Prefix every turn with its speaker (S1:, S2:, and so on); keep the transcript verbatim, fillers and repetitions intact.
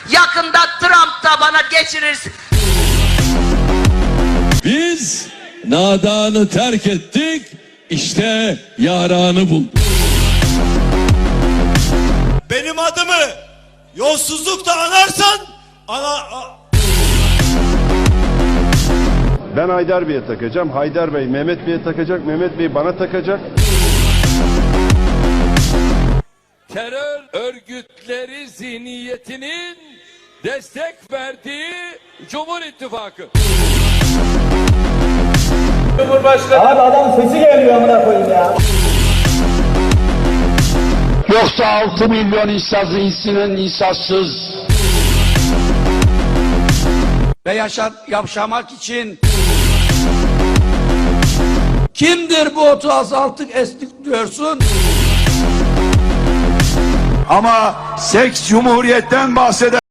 S1: Yakında Trump da bana geçirirsin.
S2: Biz nadanı terk ettik, işte yaranı bulduk.
S3: Benim adımı yolsuzlukta anarsan ana...
S4: Ben Haydar Bey'e takacağım. Haydar Bey Mehmet Bey'e takacak. Mehmet Bey bana takacak.
S2: Terör örgütleri zihniyetinin destek verdiği Cumhur İttifakı.
S5: Cumhurbaşkanı. Abi adam sesi gelmiyor amına koyayım ya.
S6: Yoksa altı milyon insaz insinin insazsız.
S7: Ve yaşa yaşamak için kimdir bu otu azalttık estik diyorsun?
S8: Ama seks cumhuriyetten bahseder.